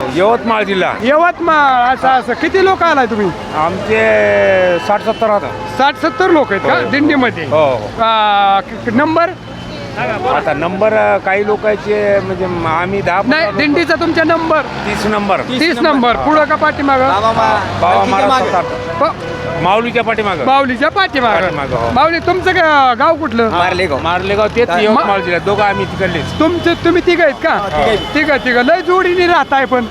यवतमाळ जिल्हा. यवतमाळ. असं किती लोक आलाय तुम्ही? आमचे 60-70 आता. 60-70 लोक आहेत का दिंडीमध्ये? हो. नंबर आता नंबर काही लोकांचे म्हणजे आम्ही 10 नाही, दिंडीचा तुमचा नंबर 30 नंबर. 30 नंबर. पुढं का पाठीमागं? बाबा महाराज माऊलीच्या पाठीमागं. माऊलीच्या पाठीमागं. पाठीमागं, हो. माऊली तुमचं गाव कुठलं? मारलेगाव तेच यवतमाळ जिल्हा. दोघं आम्ही तिकडलेच. तुम्ही तिघ आहेत का? तिघ लय जोडीने राहताय पण.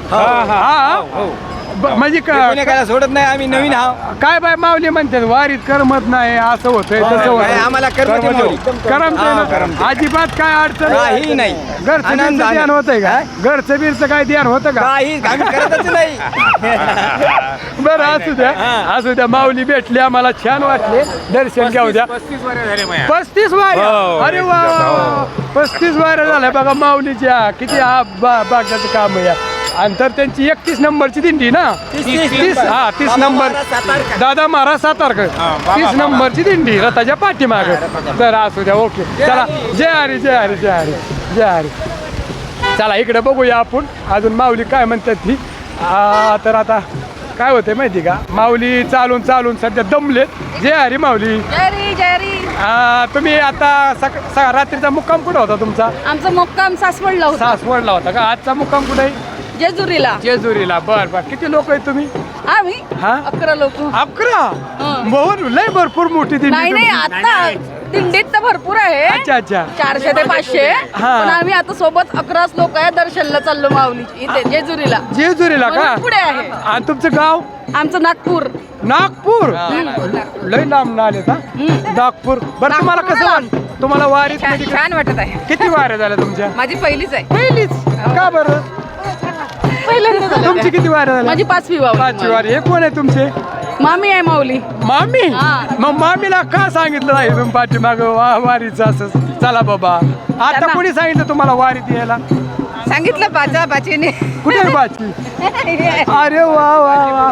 म्हणजे सोडत नाही आम्ही नवीन आहोत. काय बाय माऊली म्हणतात वारीत करमत नाही असं होतंय तसं होतंय. आम्हाला करमत अजिबात काय अडचण काही नाही. घरचं बिरचं ध्यान होतंय का? घरचं बिरचं काय ध्यान होतं का? काही आम्ही करतच नाही. बरं असू द्या माऊली भेटली आम्हाला, छान वाटले. दर्शन घेऊ द्या. 35 वर्ष झाले माझ्या. 35 वाऱ्या. हो. अरे वा 35 वाऱ्या झाल्या बघा माऊलीच्या. किती भाग्याचं काम आहे. आणि तर त्यांची 31 नंबरची दिंडी ना? 30 नंबर. दादा महाराज सातारकर. 30 नंबरची दिंडी रथाच्या पाठीमाग. तर असू द्या. ओके चला. जय हरी जय हरी जय हरी जय हरी. चला इकडे बघूया आपण अजून माऊली काय म्हणतात ती. तर आता काय होते माहिती का, माऊली चालून चालून सध्या दमलेत. जय हरी माऊली. तुम्ही आता रात्रीचा मुक्काम कुठं होता तुमचा? आमचा मुक्काम सासवडला होता. सासवडला होता का? आजचा मुक्काम कुठे आहे? जेजुरीला. जेजुरीला. बर. किती लोक आहेत तुम्ही? आम्ही हा? 11 लोक. 11? बहुत लय भरपूर मोठी दिंडी. नाही आता दिंडीत तर भरपूर आहे. अच्छा 400 ते 500. हा. पण आम्ही आता सोबत 11 लोक आहे. दर्शनला चाललो माऊली इथे जेजुरीला. जेजुरीला का? म्हणून पुढे आहे. आणि तुमचं गाव? आमचं नागपूर. नागपूर. लय लांब आले का? नागपूर. बरं तुम्हाला कसं वाटतं? तुम्हाला वारीत छान वाटत आहे. किती वाऱ्या झाल्या तुमच्या? माझी पहिलीच आहे. पहिलीच का बरं? पहिल्यांदा झालं. तुमची किती वाऱ्या झाल्या? माझी 5वी पाचवी वारी. हे कोण आहे तुमचे? मामी आहे माऊली. मामी. हा. मग मामीला का सांगितलं नाही तुम्ही पाठीमाग वारीचं असं? चला बाबा. आता त्यांना- कोणी सांगितलं तुम्हाला वारीत यायला? सांगितलं बाचीने. कुठे आहे बाची? अरे वा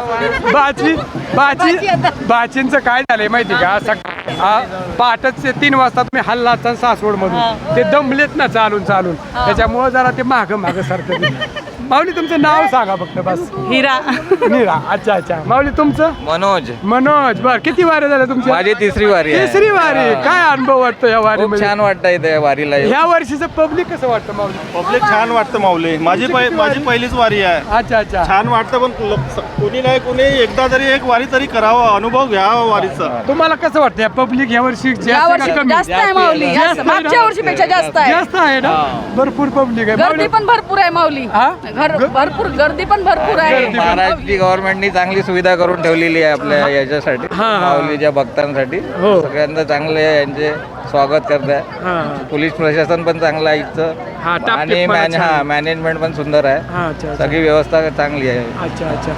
बाचींचं काय झालंय माहिती का? पहाटच 3 वाजता तुम्ही हल्ला सासवड मधून. ते दमलेत ना चालून त्याच्यामुळे जरा ते माग सारखं. माऊली तुमचं नाव सांगा फक्त बस. हिरा. अच्छा माऊली तुमचं? मनोज. बर किती वारे झाले तुमचे? माझी 3री वारी आहे. 3री वारी. काय अनुभव वाटतो या खूप वारीमध्ये? छान वाटतंय त्या वारीला. ह्या वर्षीचं पब्लिक कसं वाटतं माऊली? पब्लिक छान वाटतं माऊली. माझी पहिलीच वारी आहे. अच्छा छान वाटतं. पण कोणी नाही कोणी एकदा तरी एक वारी तरी करावा, अनुभव घ्यावा वारीचा. तुम्हाला कसं वाटतं या पब्लिक या वर्षी जास्त आहे माऊली. मागच्या वर्षीपेक्षा जास्त आहे. जास्त आहे ना? भरपूर पब्लिक आहे. गर्दी पण भरपूर आहे माऊली. हा? भरपूर गर्दी पण भरपूर आहे. महाराष्ट्री गव्हर्नमेंटनी चांगली सुविधा करून ठेवलेली आहे आपल्या याच्यासाठी, माऊलीच्या भक्तांसाठी. हो. सगळ्यांना चांगले यांचे स्वागत करत आहे. पोलीस प्रशासन पण चांगलं आहे इथचं. आणि मॅनेजमेंट पण सुंदर आहे. सगळी व्यवस्था चांगली आहे. अच्छा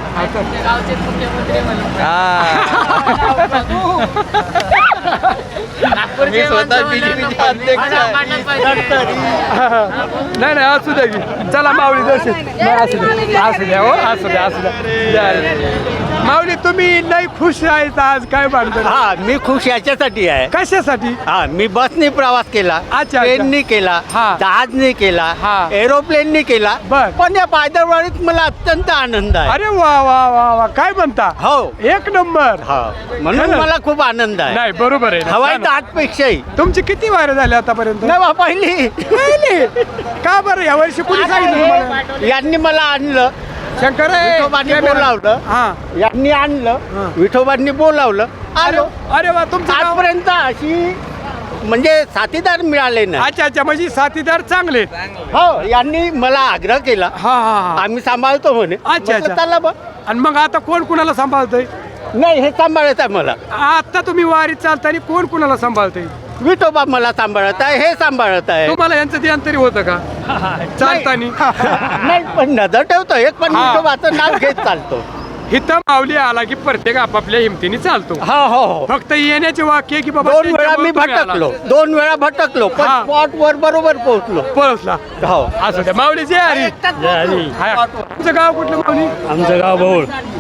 मी स्वतः BJP अध्यक्ष आहे. नाही असू द्या की. चला माऊली दर्शन. असू द्या. माऊली तुम्ही लई खुश आहेत आज. काय म्हणतो? हा, मी खुश याच्यासाठी आहे. कशासाठी? हा, मी बसनी प्रवास केला, अच्छा. ट्रेननी केला, हा. जहाजनी केला, हा. एरोप्लेननी केला. बर. पण या पायदळवाडीत मला अत्यंत आनंद आहे. अरे वा काय म्हणता? हो. 1 नंबर. हा, म्हणून खरं? मला खूप आनंद आहे. नाही बरोबर आहे. हवाई दाटपेक्षाही तुमची किती वारे झाले आतापर्यंत? नवा पहिली. का बरं या वर्षी कुणी सांगितलं तुम्हाला? यांनी मला आणलं, शंकर विठोबांनी बोलावलं. यांनी आणलं, विठोबांनी बोलावलं, आलो. अरे वा तुमचं नाव? आजपर्यंत अशी म्हणजे साथीदार मिळाले नाही. अच्छा म्हणजे साथीदार चांगले. हो, यांनी मला आग्रह केला, हा आम्ही सांभाळतो म्हणे. अच्छा. चला बा. आणि मग आता कोण कुणाला सांभाळतंय? नाही, हे सांभाळत आहे मला. आता तुम्ही वारीत चालताना कोण कुणाला सांभाळतंय? विठोबा मला सांभाळत आहे, हे सांभाळत आहे. तुम्हाला यांचं ध्यान तरी होतं का चालताना? नाही, पण नजर ठेवतो एक, पण विठोबाचं नाव घेत चालतो. इथं माऊली आला की प्रत्येक आपापल्या हिमतीने चालतो. हो. फक्त येण्याचे वाक्य की बाबा 2 वेळा मी भटकलो, 2 वेळा भटकलो, पण स्पॉट वर बरोबर पोहोचलो. पोहोचला. हो. असं द्या माऊली. जय हरी. तुमचं गाव कुठलं माऊली? आमचं गाव बौळ.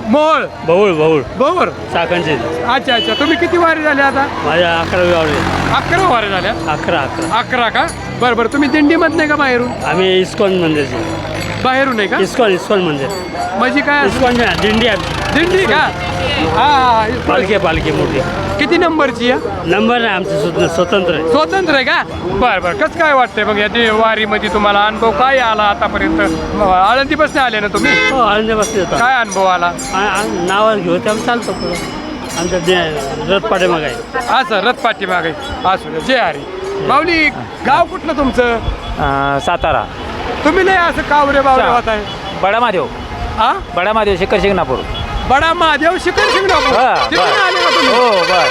बौळ चाकणचे. अच्छा तुम्ही किती वारी झाले आता? माझ्या 11वी वारी. 11 वारी झाल्या. 11 11 का? बरं तुम्ही दिंडी मधले का बाहेरून? आम्ही इस्कॉन मंदिरचे. बाहेरून आहे का? इस्कॉन मंदिर. म्हणजे काय इस्कॉन दिंडी आहे. दिंडी का? हा पालखी मोठी. किती नंबरची आहे? नंबर नाही आमचं स्वतंत्र आहे. स्वतंत्र आहे का? बरं कसं काय वाटतंय मग या वारीमध्ये तुम्हाला अनुभव काय आला आतापर्यंत? आळंदीपासून आले ना तुम्ही? हो आनंदापासून येतो. काय अनुभव आला? नावावर घेऊ ते आम्ही चालतो पुढं. आमच्या रथ पाठीमाग आहे. असं रथ पाठीमागे असू दे. जय हरी. माऊली गाव कुठलं तुमचं? सातारा. तुम्ही नाही असं कावरे बावरे होत आहे? बडा महादेव. हा बडा महादेव शिखर शिंगणापूर. बडा महादेव शिखर शिंगणापूर. हा, तिथून बरं. आले का तुम्ही? हो बर.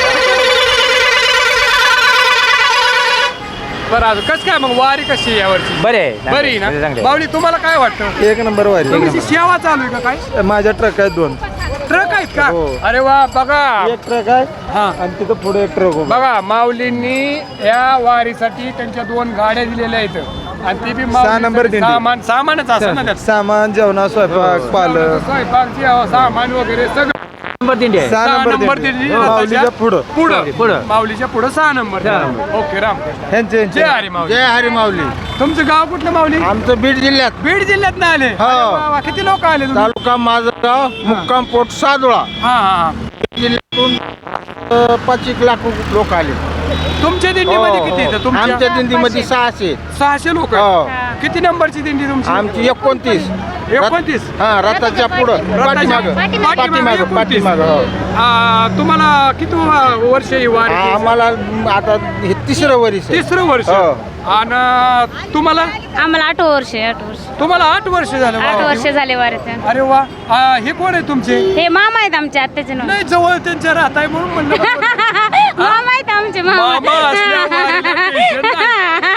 बरं कसं काय मग वारी कशी आहे यावरची? बरे बरी ना? माऊली तुम्हाला काय वाटतं? एक नंबर वारी तुमची सेवा चालू आहे का काय? माझ्या ट्रक आहेत 2. ट्रक आहेत का? अरे वा बघा. एक ट्रक आहे हा आणि तिथं पुढे एक ट्रक उभा. बघा माऊलींनी या वारीसाठी त्यांच्या 2 गाड्या दिलेल्या आहेत आणि ते बी 6 नंबर दिंडी. सामानच असं ना त्यात. सामान जेवणा स्वयंपाक पालक. स्वयंपाक सामान वगैरे सगळं. नंबर दिंडी आहे. 6 नंबर दिंडी. माऊलीच्या पुढं. पुढं माऊलीच्या पुढं 6 नंबर. ओके राम. ह्यांचे जय हरी माऊली. जय हरी माऊली. तुमचं गाव कुठलं माऊली? आमचं बीड जिल्ह्यात बीड जिल्ह्यात ना आले? हो. अरे वा, किती लोक आले तुम्ही? तालुका माझगाव मुक्काम पोट सादोळा हा जिल्ह्यातून 5 लाख लोक आले. तुमच्या दिंडीमध्ये किती येतं? आमच्या तुमच्या दिंडीमध्ये 600. 600 लोक. हो. किती नंबरची दिंडी तुमची? आमची 29. 29. हा रथाच्या पुढं पाठीमाग. तुम्हाला किती वर्ष ही वारी? आम्हाला आता हे 3रं वर्ष. 3रं वर्ष. हो. आणि तुम्हाला? आम्हाला 8 वर्ष. तुम्हाला 8 वर्ष झालं. 8 वर्ष झाले वारीत. अरे वा. हे कोण आहे तुमचे? हे मामा आहेत आमचे आत्याचे नाव. नाही जवळ त्यांच्या राहत आहे म्हणून म्हणलं. मामा आहेत आमचे मामा असल्या वारीला टेन्शन नाही.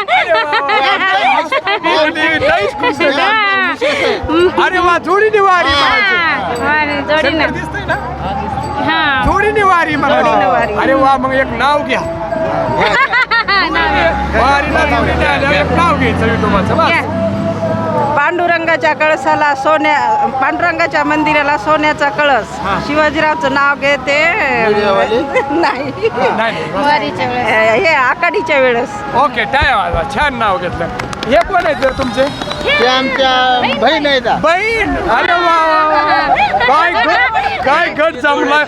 लईच खुश आहे. अरे वा जोडीने वारी जोडीनं. दिसतंय ना? हा जोडीने वारी म्हणाली. अरे वा मग एक नाव घ्या. वारीला जोडीने आल्यावर एक नाव घ्यायचं विठोबाचं बस. पांडुरंगाच्या कळसाला पांडुरंगाच्या मंदिराला सोन्याचा कळस. शिवाजीरावचं नाव घेते नाही वारीच्या वेळेस. हे आकाडीच्या वेळेस. ओके टाय वाजवा. छान नाव घेतलं. हे कोण आहेत जर तुमचे? ते आमच्या बहीण आहेत. बहीण. अरे वा काय गट जमला.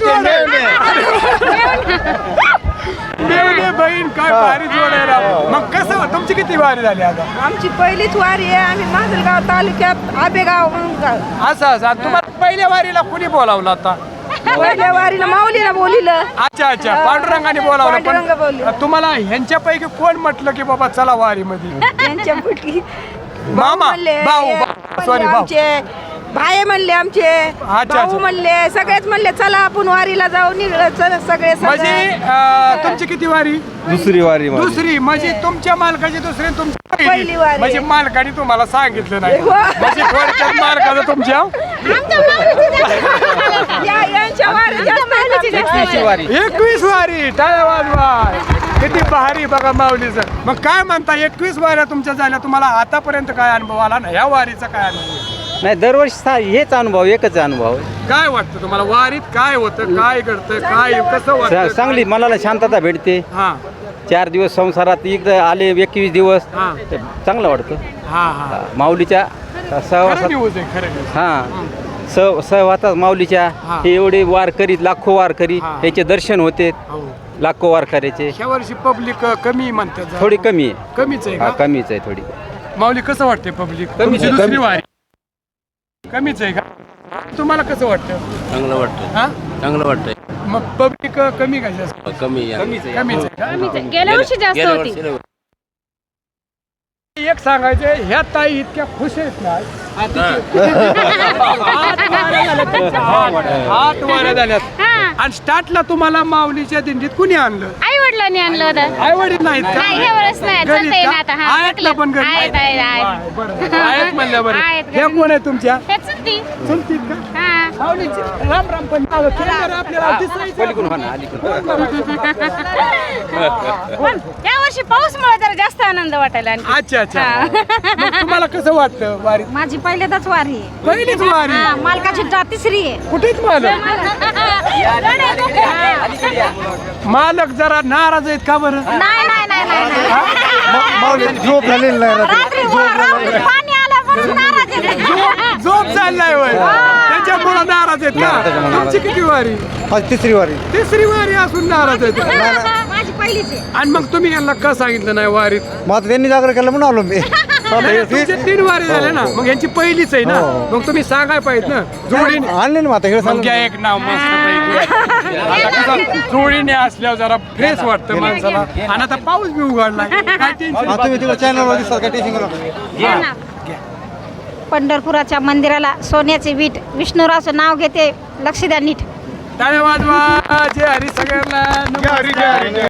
मेवणे बहीण काय भारी जोडायला. मग कसं तुमची किती वारी झाली आता? आमची पहिलीच वारी आहे. आम्ही माजलगाव तालुक्यात आबेगाव म्हणून गाव. असं तुम्हाला पहिल्या वारीला कुणी बोलावलं आता? पहिल्या वारीला माऊलीला बोलिलं. अच्छा पांडुरंगाने बोलावलं. पांडुरंग बोलले. पण तुम्हाला ह्यांच्यापैकी कोण म्हटलं की बाबा चला वारीमध्ये? यांच्यापैकी मामा म्हणले, भाऊ सॉरी भाऊ. आमचे भाई म्हणले, आमचे अच्छा. भाऊ म्हणले, सगळेच म्हणले चला आपण वारीला जाऊ. निघलं सगळे. म्हणजे तुमची किती वारी? दुसरी वारी दुसरी. म्हणजे तुमच्या मालकाची दुसरी आणि तुमची पहिली वारी. म्हणजे मालकाने तुम्हाला सांगितलं नाही. म्हणजे थोडक्यात मालकाचं तुमच्या यांच्या वारी जास्त आहे. 21 वारी. टाळ्या वाजवा. किती भारी बघा माऊलीचं. मग काय म्हणता 21 वाऱ्या तुमच्या झाल्या. तुम्हाला आतापर्यंत काय अनुभव आला ना ह्या वारीचा काय अनुभव? नाही दरवर्षी हेच अनुभव एकच अनुभव काय वाटतं तुम्हाला वारीत काय होतं? काय घडतं? काय कसं वाटतं? चांगली मनाला शांतता भेटते. हा 4 दिवस संसारात एकदा आले 21 दिवस हा चांगलं वाटतं. हा माऊलीच्या खरं सहवासात न्यूज आहे खरं न्यूज. हा सहवासात माऊलीच्या हा. हे एवढे वारकरी लाखो वारकरी हा. याचे दर्शन होते. हो. लाखो वारकऱ्याचे ह्या वर्षी पब्लिक कमी म्हणतात जरा. थोडी कमी आहे. कमीच आहे हा का? कमीच आहे थोडी. माऊली कसं वाटते पब्लिक? कमीच आहे, दुसरी कमी. वारी कमीच आहे का? तुम्हाला कसं वाटतं? चांगलं वाटतं. हा चांगलं वाटतंय. मग पब्लिक कमी का जास्त? कमी कमीच आहे. कमीच आहे का? गेल्या वर्षी जास्त होती. एक सांगायचं ह्या ताई इतक्या खुश आहेत ना. 8 वाऱ्या झाल्यात. आणि स्टार्टला तुम्हाला माऊलीच्या दिंडीत कुणी आणलं? आई वडिलांनी आणलं होतं. आई वडील नाहीत का? नाही ह्या वेळेस नाही. घरी चालतंय का? ना आता. हा, आहेत ना पण घरी? आहेत. बरं. आहेत म्हणल्या बरं. आहेत घरी. हे कोण आहे तुमच्या? हे चुलती. चुलतीत का? हा. माऊलीची राम राम पण नाव केलं आपल्याला दिसायचं. पण या वर्षी पाऊसमुळे जरा जास्त आनंद वाटायला आणखी. अच्छा मग तुम्हाला कसं वाटतं वारी? माझी पहिल्यांदाच वारी आहे. पहिलीच वारी. मालकाची 3री आहे. कुठेच मालक मालक जरा नाराज आहेत का बरं? नाही झोप झालेली नाही. रात्री पाणी आलं म्हणून नाराज आहे. झोप चाललाय वय त्याच्यामुळे नाराज आहेत का? तुमची किती वारी? तिसरी वारी. तिसरी वारी असून नाराज आहेत. माझी पहिलीच आहे. आणि मग तुम्ही यांना का सांगितलं नाही वारीत? मग आता त्यांनी जागर केलं म्हणून आलो मी. तुमचे 3 वारी झाले ना, मग यांची पहिलीच आहे ना, मग तुम्ही सांगाय पाहिजे ना जोडीने. आणले ना आता हे मग घ्या एक नाव मस्त पैकी. जोडीने असल्यावर जरा फ्रेश वाटतं माणसाला. आणि आता पाऊस बी उघडला काय टेन्शन. तुम्ही तिकडे चॅनलवर दिसतात काय टेन्शन पंढरपुराच्या मंदिराला सोन्याचे वीट विष्णुरावचं नाव घेते. लक्ष द्या नीट. धन्यवाद. जय हरी सगळ्यांना.